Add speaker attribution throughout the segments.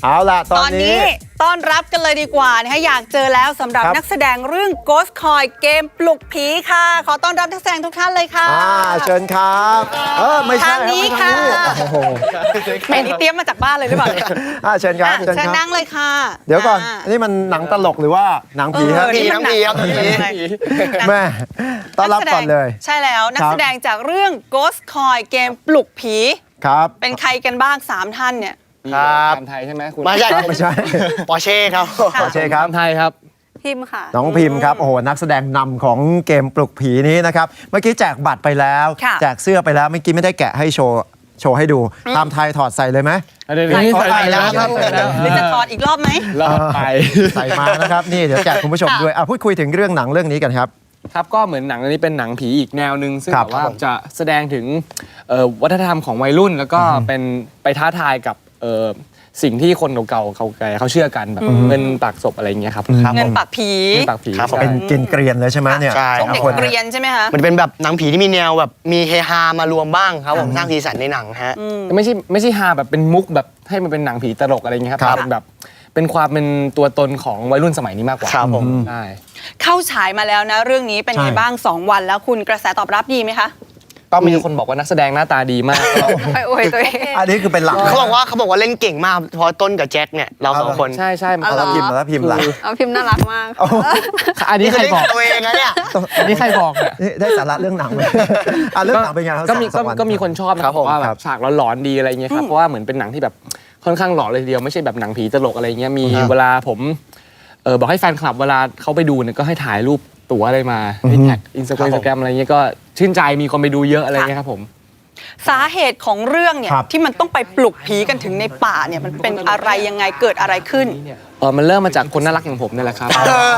Speaker 1: เอาล่ะตอนนี้
Speaker 2: ต้อนรับกันเลยดีกว่านะคะอยากเจอแล้วสำหรับนักแสดงเรื่อง Ghost Coin เกมปลุกผีค่ะขอต้อนรับนักแสดงทุกท่านเลยค่ะ
Speaker 1: เชิญครับไม่ใช่
Speaker 2: ทางนี้ค่ะแหมนี่เตรียมมาจากบ้านเลยหรือเปล่า
Speaker 1: เชิญครับ
Speaker 2: เชิญนั่งเลยค่ะ
Speaker 1: เดี๋ยวก่อนอันนี้มันหนังตลกหรือว่าหนังผีครับ
Speaker 3: หนังผีครับ
Speaker 1: แม่ต้อนรับก่อนเลย
Speaker 2: ใช่แล้วนักแสดงจากเรื่อง Ghost Coin เกมปลุกผี
Speaker 1: ครับ
Speaker 2: เป็นใครกันบ้าง3ท่านเนี่ย
Speaker 3: ครับ
Speaker 4: ไทยใช่ไหมคุณ
Speaker 3: ไม่ใช่ ปอร์เช่ครับ
Speaker 1: ปอร์เช่ครับ
Speaker 4: ไทยครับ
Speaker 2: พิมพ์ค่ะ
Speaker 1: น้องพิมพ์ครับโอ้โหนักแสดงนำของเกมปลุกผีนี้นะครับเมื่อกี้แจกบัตรไปแล้วแจกเสื้อไปแล้วเมื่อกี้ไม่ได้แกะให้โชว์ให้ดูตามไทยถอดใส่เลยไหม
Speaker 4: ใส่แล้วครับ
Speaker 2: หรือจะถอดอีกรอบไหม
Speaker 4: รอบไป
Speaker 1: ใส่มานะครับนี่เดี๋ยวแจกคุณผู้ชมด้วยพูดคุยถึงเรื่องหนังเรื่องนี้กันครับ
Speaker 4: ครับก็เหมือนหนังเรื่องนี้เป็นหนังผีอีกแนวหนึ่งซึ่งแบบว่าจะแสดงถึงวัฒนธรรมของวัยรุ่นแล้วก็เป็นไปท้าทายกับสิ่งที่คนเก่าๆเขาเชื่อกันแบบเงินปากศพอะไรอย่างเงี้ยครับ
Speaker 2: เงินปากผี
Speaker 1: เป็นกินเกรียนเลยใช่ไหมเนี่ย
Speaker 2: เด็กเกรียนใช่ไหมคะ
Speaker 3: มันเป็นแบบหนังผีที่มีแนวแบบมีเฮฮามารวมบ้างครับผมสร้างสีสันในหนังฮะ
Speaker 4: ไม่ใช่ฮาแบบเป็นมุกแบบให้มันเป็นหนังผีตลกอะไรอย่างเงี้ยครับเป็นแบบเป็นความเป็นตัวตนของวัยรุ่นสมัยนี้มากกว่า
Speaker 3: ครับผม
Speaker 4: ใช่
Speaker 2: เข้าฉายมาแล้วนะเรื่องนี้เป็นไงบ้าง2 วันแล้วคุณกระแสตอบรับดีไหมคะ
Speaker 4: ก็มีคนบอกว่านักแสดงหน้าตาดีมาก
Speaker 2: ไปอวยตัวเอง
Speaker 1: อันนี้คือเป็นหลัก
Speaker 3: เขาบอกว่าเล่นเก่งมากเพราะต้นกับแจ็คเนี่ยเรา2 คน
Speaker 4: ใช่
Speaker 1: แล้วพิมพ์หลัก
Speaker 2: พิมพ์น่ารักมาก
Speaker 4: อันนี้ใครบอก
Speaker 3: ตัวเองนะเนี่ย
Speaker 4: อันนี้ใครบอก
Speaker 1: ได้สาระเรื่องหนังไหมเรื่องหนังเป็นไง
Speaker 4: ก็มีคนชอบนะครับว่าแบบฉากหลอนๆดีอะไรเงี้ยครับเพราะว่าเหมือนเป็นหนังที่แบบค่อนข้างหลอนเลยทีเดียวไม่ใช่แบบหนังผีตลกอะไรเงี้ยมีเวลาผมบอกให้แฟนคลับเวลาเขาไปดูเนี่ยก็ให้ถ่ายรูปตั๋วอะไรมาให้แท็กอินสตาแกรมอะไรเงี้ยก็ชื่นใจมีคนไปดูเยอะอะไรเงี้ยครับผม
Speaker 2: สาเหตุของเรื่องเนี่ยที่มันต้องไปปลุกผีกันถึงในป่าเนี่ยมันเป็นอะไรยังไงเกิดอะไรขึ้น
Speaker 4: มันเริ่มมาจากคนน่ารักอย่างผมนี่แหละครับ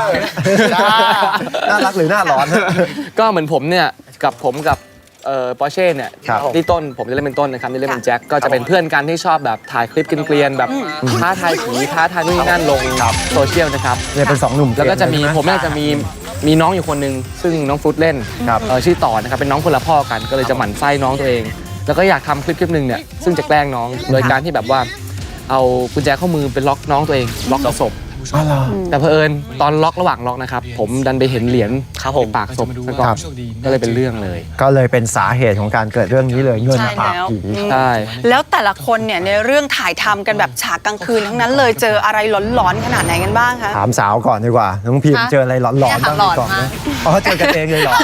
Speaker 1: น่ารักหรือน่าร้อน
Speaker 4: ก็เหมือนผมเนี่ยกับปอร์เช่เนี่ยที่ต้นผมจะเล่นเป็นต้นนะครับที่เล่นเป็นแจ็คก็จะเป็นเพื่อนกันที่ชอบแบบถ่ายคลิปเกลียนๆแบบท้าทายผีท้าทายนู่นนั่นลงโซเชียลนะครับ
Speaker 1: เนี่ยเป็น2 หนุ่ม
Speaker 4: แล้วก็จะมีผมเนี่ยจะมีน้องอยู่คนหนึ่งซึ่งน้องฟลุตเล่นชื่อต่อนะครับเป็นน้องคนละพ่อกันก็เลยจะหมั่นไส้น้องตัวเองแล้วก็อยากทำคลิปหนึ่งเนี่ยซึ่งจะแกล้งน้องโดยการที่แบบว่าเอากุญแจข้อมือไปล็อกน้องตัวเองล็อกกับศพแต่เผอิญตอนล็อกระหว่างล็อกนะครับผมดันไปเห็นเหรียญในปากศพก็เลยเป็นเรื่องเลย
Speaker 1: ก็เลยเป็นสาเหตุของการเกิดเรื่องนี้เลยเงินปากผี
Speaker 4: ใช่
Speaker 2: แล้วแต่ละคนเนี่ยในเรื่องถ่ายทำกันแบบฉากกลางคืนทั้งนั้นเลยเจออะไรหลอนๆขนาดไหนกันบ้างคะ
Speaker 1: ถามสาวก่อนดีกว่าน้องพิมเจออะไรหลอนๆบ้างก่อนไหมเจอกันเองเลยหรอ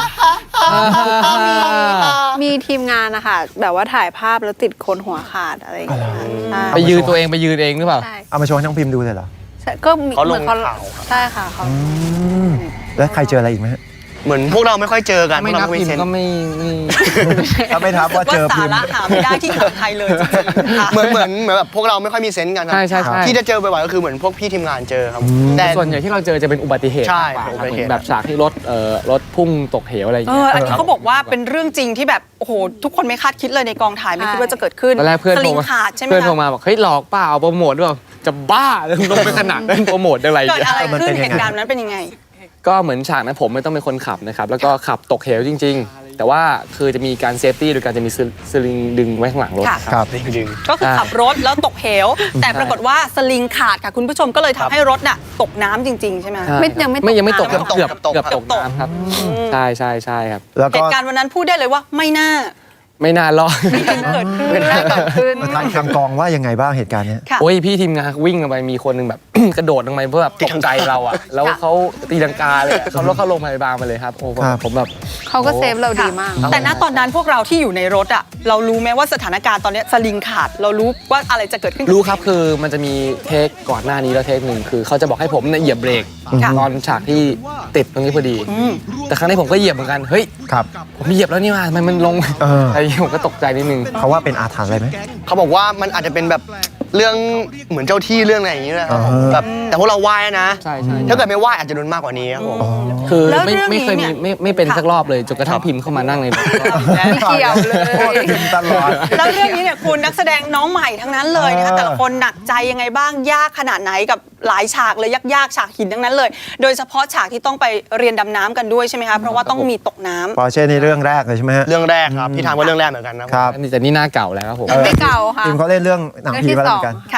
Speaker 5: มีทีมงานนะคะแบบว่าถ่ายภาพแล้วติดคนหัวขาดอะไรอย่างเงี้ย
Speaker 4: ไปยืนตัวเองไปยืนเองหรือเปล่า
Speaker 1: เอามาโชว์ให้น้องพิมดูเลยเหรอ
Speaker 5: ก็เหมือนเขาใช่ค่ะเขา
Speaker 1: แล้วใครเจออะไรอีกไหม
Speaker 3: เหมือนพวกเราไม่ค่อยเจอกัน
Speaker 4: ไม่นับพิมก็ไม่
Speaker 1: ถ้าไม่ทับว่าเจอพิม
Speaker 2: สาระหาไม่ได้ที่ไทยเลย
Speaker 3: เหมือนแบบพวกเราไม่ค่อยมีเซนส์กันครับที่จะเจอบ่อยๆก็คือเหมือนพวกพี่ทีมงานเจอครับ
Speaker 4: แต่ส่วนใหญ่ที่เราเจอจะเป็นอุบัติเหตุ
Speaker 3: ใช่
Speaker 4: แบบฉากที่รถพุ่งตกเหวอะไรอย่างเงี้ย
Speaker 2: อันนี้เขาบอกว่าเป็นเรื่องจริงที่แบบโอ้โหทุกคนไม่คาดคิดเลยในกองถ่ายไม่คิดว่าจะเกิดขึ้น
Speaker 4: ตอนแรกเพื่อนโทรมาบอกเฮ้ยหลอกเปล่าโปรโมทด้วยจะบ้าลงไปขนาดนั้นโปรโมทอะไร
Speaker 2: เกิดอะไรขึ้นเหตุการณ์นั้นเป็นยังไง
Speaker 4: ก็เหมือนฉากนั้นผมไม่ต้องเป็นคนขับนะครับแล้วก็ขับตกเหวจริงๆแต่ว่าคือจะมีการเซฟตี้โดยการจะมีสลิงดึงไว้ข้างหลังรถ
Speaker 1: ครับ
Speaker 2: ก็คือขับรถแล้วตกเหวแต่ปรากฏว่าสลิงขาดค่ะคุณผู้ชมก็เลยทำให้รถน่ะตกน้ำจริงๆใช่ไหม
Speaker 4: ยังไม่ตกเกือบตกน้ำครับใช่ครับ
Speaker 2: เหตุการณ์วันนั้นพูดได้เลยว่าไม่น่ารอด
Speaker 5: เกิดขึ้น
Speaker 1: ทางกองว่ายังไงบ้างเหตุการณ์นี้
Speaker 4: โอ้ยพี่ทีมงานวิ่งลงไปมีคนหนึ่งแบบกระโดดลงไปเพื่อแบบตกใจเราอ่ะแล้วเขาตีลังกาเลยเขารถเข้าโรงพยาบาลมาเลยครับโอ้ผมแบบ
Speaker 5: เขาก็เซฟเราดีมาก
Speaker 2: แต่ณตอนนั้นพวกเราที่อยู่ในรถอ่ะเรารู้ไหมว่าสถานการณ์ตอนนี้สลิงขาดเรารู้ว่าอะไรจะเกิดขึ้น
Speaker 4: รู้ครับคือมันจะมีเทคก่อนหน้านี้แล้วเทคหนึ่งคือเขาจะบอกให้ผมเหยียบเบรกตอนฉากที่ติดตรงนี้พอดีแต่ครั้งนี้ผมก็เหยียบเหมือนกันเฮ้ยผมเหยียบแล้วนี่มามันลงไอ้ผมก็ตกใจนิดนึง
Speaker 1: เขาว่าเป็นอาถรรพ์อะไรไหม
Speaker 3: เขาบอกว่ามันอาจจะเป็นแบบเรื่องเหมือนเจ้าที่เรื่องอะไรอย่างนี้แหละแบบแต่พวกเราไหว้นะถ้าเกิดไม่ไหว้อาจจะโดนมากกว่านี้ครับผม
Speaker 4: คือไม่เคยมีไม่เป็นสักรอบเลยจนกระทั่งพิมพ์เข้ามานั่งในรถ
Speaker 5: ไม่เกี่ยวเลย
Speaker 1: ตลอด
Speaker 2: แล้วเรื่องนี้เนี่ยคุณนักแสดงน้องใหม่ทั้งนั้นเลยนะคะแต่ละคนหนักใจยังไงบ้างยากขนาดไหนกับหลายฉากเลยยากฉากหินทั้งนั้นเลยโดยเฉพาะฉากที่ต้องไปเรียนดำน้ำกันด้วยใช่ไหมคะเพราะว่าต้องมีตกน้ำ
Speaker 1: ปอร์เช่ในเรื่องแรกเลยใช่ไหมฮะ
Speaker 3: เรื่องแรกครับพี่ทำว่าเรื่องแรกเหมือนกันนะครับ
Speaker 4: แต่นี่หน้าเก่าแล้วครับผม
Speaker 5: ไม่เก่าค่ะ
Speaker 1: ทีมเขาเล่นเรื่องหนังผีมาเหมือนกัน
Speaker 2: ค่ะ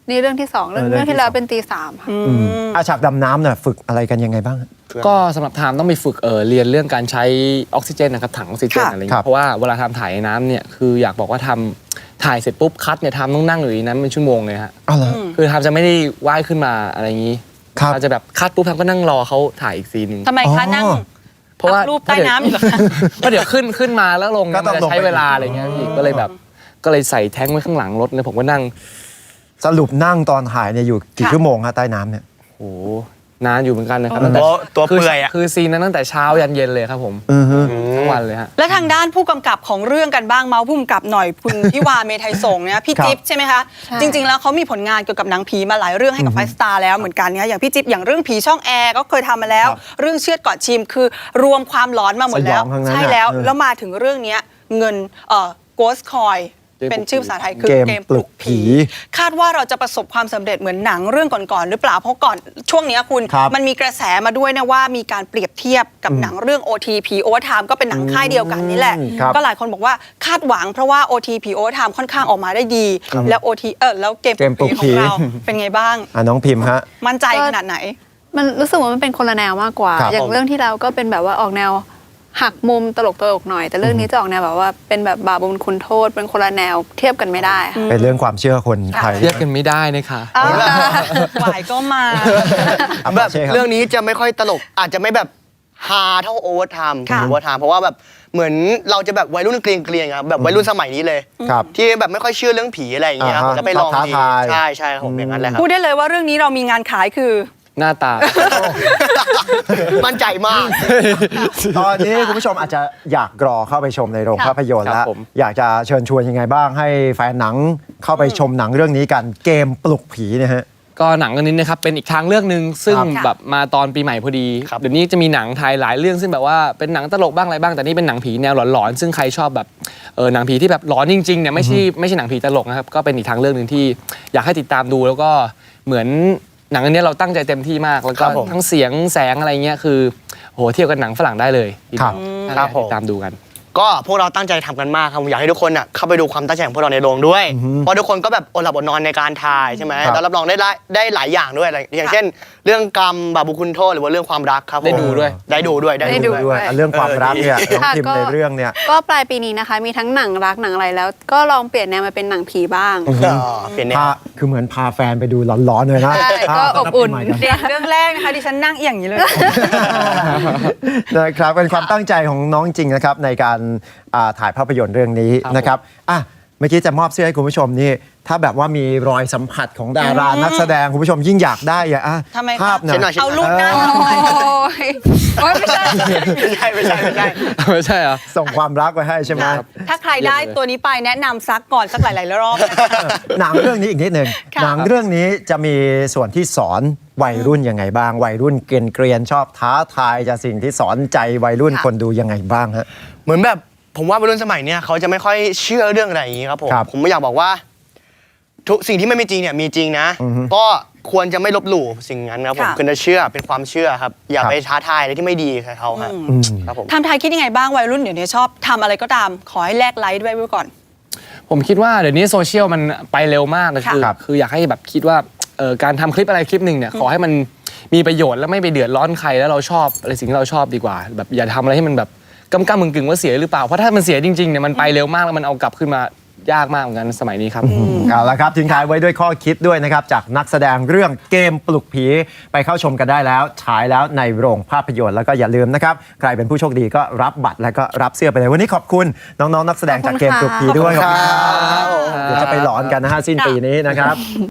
Speaker 5: นี่เรื่องที่สองเรื่องที่แล้วเป็นตีสามค่ะ
Speaker 1: ฉากดำน้ำเนี่ยฝึกอะไรกันยังไงบ้าง
Speaker 4: ก็สำหรับไทม์ต้องไปฝึกเรียนเรื่องการใช้ออกซิเจนนะครับถังออกซิเจน
Speaker 2: ค่ะ
Speaker 4: อะไร
Speaker 1: ครั
Speaker 4: เงี้
Speaker 1: บ
Speaker 4: ยเพราะว่าเวลาทำถ่ายในน้ำเนี่ยคืออยากบอกว่าทำถ่ายเสร็จปุ๊บคัดเนี่ยทำต้องนั่งอยู่ในนั้นเป็นชั่วโมงเลยฮะ
Speaker 1: อ๋อเหรอ
Speaker 4: คือทำจะไม่ได้ว่ายขึ้นมาอะไรอย่างนี้
Speaker 1: ครับ
Speaker 4: ทำจะแบบคัดปุ๊บทำก็นั่งรอเขาถ่ายอีกซีนหนึง
Speaker 2: ทำไมคะ
Speaker 1: อ๋อ
Speaker 2: นั่ง
Speaker 4: เพราะว่า
Speaker 2: รูปใต้น้ำอยู่เหรอคะ
Speaker 4: ก็เดี๋ยวขึ้นมาแล้วลง
Speaker 1: ก็
Speaker 4: เนี่ย
Speaker 1: ต้
Speaker 4: มั
Speaker 1: อน งลง
Speaker 4: จะใช้
Speaker 1: ไป
Speaker 4: เวลาอะไรเงี้ยพี่ก็เลยแบบก็เลยใส่แท้งไว้ข้างหลังรถเลยผมก็นั่ง
Speaker 1: สรุปนั่งตอนถ่ายเนี่ยอยู่กี่
Speaker 2: ค่ะ
Speaker 1: ชั่วโมงฮะใต้น้ำเนี่ย
Speaker 4: โอ้โหนานอยู่เหมือนกันนะครับ
Speaker 3: ตัวเปื่อยอะ
Speaker 4: คือซีนนั้นตั้งแต่เช้ายันเย็นเลยครับผมทั้งวันเลยฮะ
Speaker 2: และทางด้านผู้กำกับของเรื่องกันบ้างเมาส์ผู้กำกับหน่อยคุณ พิวาเมทัยสงฆ์เนี่ยพี่
Speaker 1: ครับ
Speaker 2: จิ๊บใช่ไหมคะ
Speaker 5: ใช่
Speaker 2: จริง ๆ แล้วเขามีผลงานเกี่ยวกับหนังผีมาหลายเรื่องให้กับไฟสตาร์แล้วเหมือนกันเนี่ยอย่างพี่จิ๊บอย่างเรื่องผีช่องแอร์ก็เคยทำมาแล้ว เรื่องเชือดก่อนชิมคือรวมความหลอนมาหมดแล้ว
Speaker 1: สยองทั้งนั้น
Speaker 2: ใช่แล้ว
Speaker 1: อะ
Speaker 2: แล้วมาถึงเรื่องเนี้ยเงินGhost Coin เป็นชื่อภาษาไทยคือ
Speaker 1: เกม
Speaker 2: เกม
Speaker 1: ปลุกผี
Speaker 2: คาดว่าเราจะประสบความสำเร็จเหมือนหนังเรื่องก่อนๆหรือเปล่าเพราะก่อนช่วงเนี้ยคุณ
Speaker 1: ครับ
Speaker 2: มันมีกระแสมาด้วยนะว่ามีการเปรียบเทียบกับหนังเรื่อง OTP Overtime ก็เป็นหนังค่ายเดียวกันนี่แหละ
Speaker 1: ครับ
Speaker 2: ก็หลายคนบอกว่าคาดหวังเพราะว่า OTP Overtime ค่อนข้างออกมาได้ดี แล้วแล้วเกม
Speaker 1: เกมปลุก
Speaker 2: ข
Speaker 1: ผี
Speaker 2: องเราเป็นไงบ้าง
Speaker 1: น้องพิมพ์ฮะ
Speaker 2: มั่นใจขนาดไหน
Speaker 5: มันรู้สึกว่ามันเป็นคนละแนวมากกว่า
Speaker 1: ครับ
Speaker 5: อย่างเรื่องที่แล้วก็เป็นแบบว่าออกแนวหักมุมตลกหน่อย แต่เรื่องนี้จะออกแนวแบบว่าเป็นแบบบาปบุญคุณโทษ เป็นคนละแนวเทียบกันไม่ได้ค่ะ
Speaker 1: เป็นเรื่องความเชื่อคนไทย
Speaker 4: เรียกกันไม่ได้นะคะ
Speaker 2: หวายก็มา
Speaker 3: แบบ
Speaker 1: ใช่ครับ
Speaker 3: เรื่องนี้จะไม่ค่อยตลกอาจจะไม่แบบฮาเท่าโอเวอร์ไทม์
Speaker 2: ค่ะ
Speaker 3: โอเวอร์ไทม์เพราะว่าแบบเหมือนเราจะแบบวัยรุ่นเกรียงๆครับแบบวัยรุ่นสมัยนี้เลย
Speaker 1: ครับ
Speaker 3: ที่แบบไม่ค่อยเชื่อเรื่องผีอะไรอย่างเงี้ยครับ
Speaker 1: อ่าฮะ
Speaker 3: แล้วไปลอง
Speaker 1: ท้า
Speaker 3: ดี
Speaker 1: ทาย
Speaker 3: ใช่ใช่ครับผมอย่างนั้นแหละครับ
Speaker 2: พูดได้เลยว่าเรื่องนี้เรามีงานขายคือ
Speaker 4: หน้าตา
Speaker 3: มั่นใจมาก
Speaker 1: ตอนนี้คุณผู้ชมอาจจะอยากรอเข้าไปชมในโรง
Speaker 2: ค่ะ
Speaker 1: ภาพยนตร์
Speaker 4: ครั
Speaker 1: แล้ว
Speaker 4: บผม
Speaker 1: อยากจะเชิญชวนยังไงบ้างให้แฟนหนังเข้าไปชมหนังเรื่องนี้กันเกมปลุกผีเนี่ยฮะ
Speaker 4: ก็หนังเรื่องนี้นะครับเป็นอีกทางเลือกหนึ่งซึ่ง
Speaker 1: ครับ
Speaker 4: แบบมาตอนปีใหม่พอดี
Speaker 3: ครับ
Speaker 4: เดี๋ยวนี้จะมีหนังไทยหลายเรื่องซึ่งแบบว่าเป็นหนังตลกบ้างอะไรบ้างแต่นี่เป็นหนังผีแนวหลอนๆซึ่งใครชอบแบบหนังผีที่แบบหลอนจริงๆเนี่ยไม่ใช่หนังผีตลกนะครับก็เป็นอีกทางเลือกหนึ่งที่อยากให้ติดตามดูแล้วก็เหมือนหนังอันนี้เราตั้งใจเต็มที่มากแล้วก็
Speaker 3: ครับผม
Speaker 4: ทั้งเสียงแสงอะไรเงี้ยคือโหเทียบกับหนังฝรั่งได้เลย
Speaker 1: ครับ
Speaker 3: ครับผม
Speaker 4: ติดตามดูกัน
Speaker 3: ก็พวกเราตั้งใจทำกันมากครับผมอยากให้ทุกคนน่ะเข้าไปดูความตั้งใจของพวกเราในโรงด้วย เพราะทุกคนก็แบบอดหลับอดนอนในการถ่ายใช่ไหม
Speaker 1: ครับ
Speaker 3: แล้วรับรองได้หลายอย่างด้วยอะไรอย่างเช่น เรื่องกรรมบาปบุญคุณโทษหรือว่าเรื่องความรักครับผม
Speaker 4: ได้ดูด้วย
Speaker 3: ได้ดูด้วย
Speaker 5: ได้ดู
Speaker 1: ด้วยเรื่องความรักเนี่ยน้อง
Speaker 5: ค่ะ
Speaker 1: พิมพ์ในเรื่องเนี่ย
Speaker 5: ก็ปลายปีนี้นะคะ มีทั้งหนังรักหนังอะไรแล้ว ก็ลองเปลี่ยนแนวมาเป็นหนังผีบ้าง
Speaker 3: เปลี่ยนแนว
Speaker 1: คือเหมือนพาแฟนไปดูร้อนๆเลยนะ
Speaker 5: ใช่ก็อบอุ่น
Speaker 1: ต้รับปีใหม่กั
Speaker 2: เรื่องแรกนะคะดิฉันนั่งเอียงอย่างนี้เลย
Speaker 1: นะครับเป็นความตั้งใจของน้องจริงนะครับในการถ่ายภาพยนตร์เรื่องนี้
Speaker 4: ครับ
Speaker 1: นะครับเมื่อกี้จะมอบเสื้อให้คุณผู้ชมนี่ถ้าแบบว่ามีรอยสัมผัสของดารานักแสดงคุณผู้ชมยิ่งอยากได้อะ
Speaker 2: ทำไมคะ
Speaker 1: ภาพ
Speaker 3: เช็ดหน่อย
Speaker 2: เอารูปหน้า
Speaker 5: โอ้ยโอ๊ยไม่ใช่
Speaker 3: ไม่ใช่ไม่ใช่ไม่ใช่
Speaker 4: ไม่ใช่เหรอ
Speaker 1: ส่งความรักไว้ให้ใช่ไหม
Speaker 2: ถ้าใครได้ตัวนี้ไปแนะนำซักก่อนสักหลายๆรอบนะคะ
Speaker 1: หนังเรื่องนี้อีกนิดหนึ่ง
Speaker 2: ค่ะ
Speaker 1: หนังเรื่องนี้จะมีส่วนที่สอนวัยรุ่นยังไงบ้าง วัยรุ่นเกรียนๆชอบท้าทายจะสิ่งที่สอนใจวัยรุ่นคนดูยังไงบ้างฮะ
Speaker 3: เหมือนแบบผมว่าวัยรุ่นสมัยเนี้ยเขาจะไม่ค่อยเชื่อเรื่องอะไรอย่างนี้ครับผม
Speaker 1: ครับ
Speaker 3: ผมไม่อยากบอกว่า ทุกสิ่งที่ไม่มีจริงเนี่ยมีจริงนะ
Speaker 1: อือฮึ
Speaker 3: ก็ควรจะไม่ลบหลู่สิ่งนั้นครับผม
Speaker 2: ค่ะ
Speaker 3: ควรจะเชื่อเป็นความเชื่อครับ อย่า
Speaker 1: ครับ
Speaker 3: ไปท้าทายอะไรที่ไม่ดีกับเขาครับ
Speaker 1: อืม
Speaker 3: ครับผม
Speaker 2: ทำไทยคิดยังไงบ้างวัยรุ่นเดี๋ยวนี้ชอบทำอะไรก็ตาม ขอให้แลกไลค์ด้วยไว้ก่อน
Speaker 4: ผมคิดว่าเดี๋ยวนี้โซเชียลมันไปเร็วมากนะ
Speaker 2: ค่ะ
Speaker 4: คืออยากให้แบบคิดว่าการทำคลิปอะไรคลิปหนึ่งเนี่ยขอให้มันมีประโยชน์แล้วไม่ไปเดือดร้อนใครแล้วเราชอบอะไรสิ่งที่เราชอบดีกว่า แบบอย่าทำอะไรให้มันแบบกำกำกึ่งๆว่าเสียหรือเปล่าเพราะถ้ามันเสียจริงๆเนี่ยมันไปเร็วมากแล้วมันเอากลับขึ้นมายากมากเหมือนกันสมัยนี้ครับ
Speaker 1: เอาละครับทิ้งท้ายไว้ด้วยข้อคิดด้วยนะครับ จากนักแสดงเรื่องเกมปลุกผีไปเข้าชมกันได้แล้ว ฉายแล้วในโรงภาพยนตร์แล้วก็อย่าลืมนะครับ ใครเป็นผู้โชคดีก็รับบัตรแล้วก็รับเสื้อไปเลย วันนี้ขอบคุณน้องๆนักแสดงจากเกมปลุกผีด้วย
Speaker 3: ขอบคุณครับ
Speaker 1: เดี๋ยวจะไปหลอนกันนะฮะสิ้นปีนี้นะครับ